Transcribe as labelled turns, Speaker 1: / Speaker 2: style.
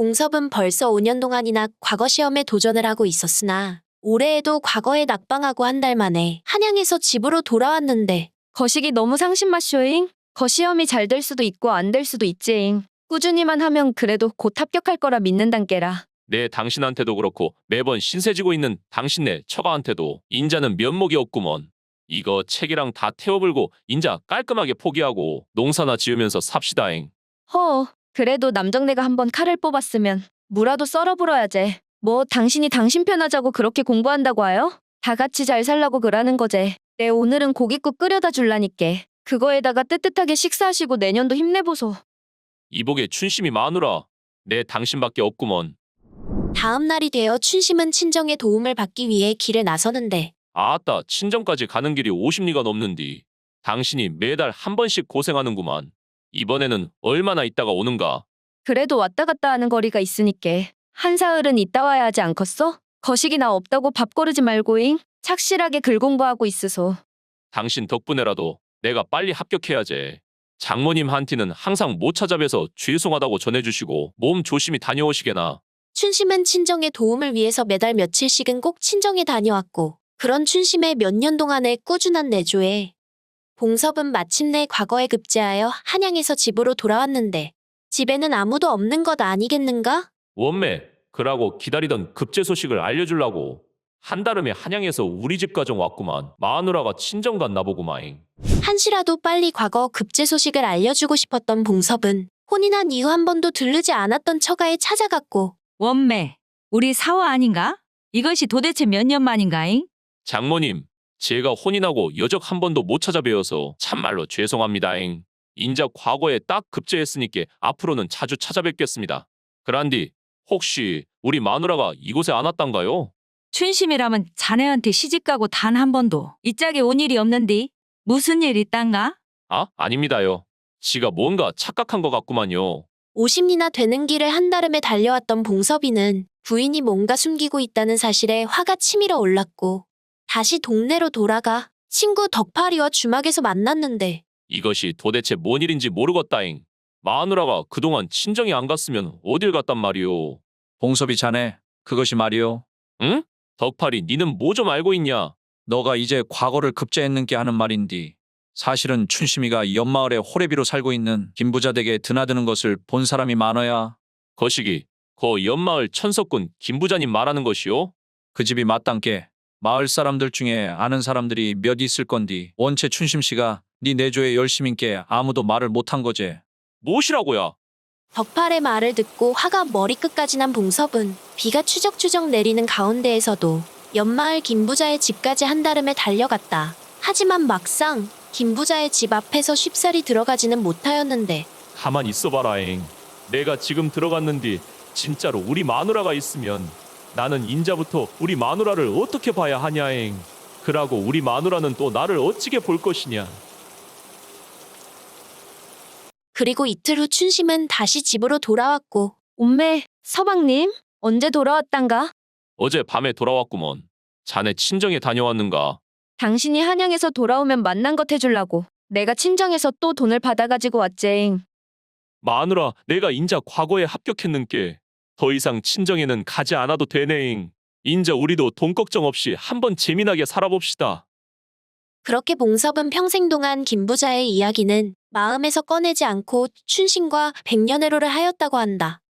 Speaker 1: 봉섭은 벌써 5년 동안이나 과거 시험에 도전을 하고 있었으나 올해에도 과거에 낙방하고 한 달 만에 한양에서 집으로 돌아왔는데
Speaker 2: 거시기 너무 상심마쇼잉. 거시험이 잘 될 수도 있고 안 될 수도 있지잉. 꾸준히만 하면 그래도 곧 합격할 거라 믿는단께라.
Speaker 3: 내 당신한테도 그렇고 매번 신세지고 있는 당신네 처가한테도 인자는 면목이 없구먼. 이거 책이랑 다 태워불고 인자 깔끔하게 포기하고 농사나 지으면서 삽시다잉.
Speaker 2: 허, 그래도 남정네가 한번 칼을 뽑았으면 무라도 썰어 불어야지. 뭐 당신이 당신 편하자고 그렇게 공부한다고 하여? 다 같이 잘 살라고 그러는 거제. 내 오늘은 고깃국 끓여다 줄라니께. 그거에다가 뜨뜻하게 식사하시고 내년도 힘내보소.
Speaker 3: 이복에 춘심이 마누라. 내 당신밖에 없구먼.
Speaker 1: 다음 날이 되어 춘심은 친정의 도움을 받기 위해 길에 나서는데
Speaker 3: 아따 친정까지 가는 길이 50리가 넘는디. 당신이 매달 한 번씩 고생하는구만. 이번에는 얼마나 있다가 오는가?
Speaker 2: 그래도 왔다 갔다 하는 거리가 있으니께. 한사흘은 있다 와야 하지 않겠어? 거식이나 없다고 밥 거르지 말고잉. 착실하게 글 공부하고 있으소.
Speaker 3: 당신 덕분에라도 내가 빨리 합격해야지. 장모님한테는 항상 못 찾아뵈서 죄송하다고 전해주시고 몸 조심히 다녀오시게나.
Speaker 1: 춘심은 친정의 도움을 위해서 매달 며칠씩은 꼭 친정에 다녀왔고 그런 춘심의 몇 년 동안의 꾸준한 내조에 봉섭은 마침내 과거에 급제하여 한양에서 집으로 돌아왔는데 집에는 아무도 없는 것 아니겠는가?
Speaker 3: 원매, 그라고 기다리던 급제 소식을 알려주려고 한달음에 한양에서 우리 집 가정 왔구만. 마누라가 친정 갔나 보구마잉.
Speaker 1: 한시라도 빨리 과거 급제 소식을 알려주고 싶었던 봉섭은 혼인한 이후 한 번도 들르지 않았던 처가에 찾아갔고
Speaker 4: 원매, 우리 사화 아닌가? 이것이 도대체 몇 년 만인가잉?
Speaker 3: 장모님, 제가 혼인하고 여적 한 번도 못 찾아뵈어서 참말로 죄송합니다잉. 인자 과거에 딱 급제했으니까 앞으로는 자주 찾아뵙겠습니다. 그란디, 혹시 우리 마누라가 이곳에 안 왔단가요?
Speaker 4: 춘심이라면 자네한테 시집가고 단 한 번도 이 짝에 온 일이 없는디? 무슨 일 있단가?
Speaker 3: 아, 아닙니다요. 지가 뭔가 착각한 것 같구만요.
Speaker 1: 50리나 되는 길을 한달음에 달려왔던 봉섭이는 부인이 뭔가 숨기고 있다는 사실에 화가 치밀어 올랐고 다시 동네로 돌아가 친구 덕파리와 주막에서 만났는데
Speaker 3: 이것이 도대체 뭔 일인지 모르겠다잉. 마누라가 그동안 친정에 안 갔으면 어딜 갔단 말이오.
Speaker 5: 봉섭이 자네, 그것이 말이오.
Speaker 3: 응? 덕팔이 니는 뭐 좀 알고 있냐?
Speaker 5: 너가 이제 과거를 급제했는께 하는 말인디. 사실은 춘심이가 옆마을에 호래비로 살고 있는 김부자 댁에 드나드는 것을 본 사람이 많아야
Speaker 3: 거시기, 거 옆마을 천석군 김부자님 말하는 것이오?
Speaker 5: 그 집이 마땅께 마을 사람들 중에 아는 사람들이 몇 있을 건디. 원체 춘심씨가 네 내조에 열심인께 아무도 말을 못한 거제.
Speaker 3: 무엇이라고야?
Speaker 1: 덕팔의 말을 듣고 화가 머리끝까지 난 봉섭은 비가 추적추적 내리는 가운데에서도 옆마을 김부자의 집까지 한달음에 달려갔다. 하지만 막상 김부자의 집 앞에서 쉽사리 들어가지는 못하였는데
Speaker 3: 가만 있어봐라잉. 내가 지금 들어갔는디 진짜로 우리 마누라가 있으면 나는 인자부터 우리 마누라를 어떻게 봐야 하냐잉. 그러고 우리 마누라는 또 나를 어찌게 볼 것이냐.
Speaker 1: 그리고 이틀 후 춘심은 다시 집으로 돌아왔고
Speaker 2: 엄매, 서방님, 언제 돌아왔단가?
Speaker 3: 어제 밤에 돌아왔구먼. 자네 친정에 다녀왔는가?
Speaker 2: 당신이 한양에서 돌아오면 만난 것 해주려고. 내가 친정에서 또 돈을 받아가지고 왔제잉.
Speaker 3: 마누라, 내가 인자 과거에 합격했는께 더 이상 친정에는 가지 않아도 되네잉. 인자 우리도 돈 걱정 없이 한번 재미나게 살아봅시다.
Speaker 1: 그렇게 봉섭은 평생 동안 김부자의 이야기는 마음에서 꺼내지 않고 춘심과 백년해로를 하였다고 한다.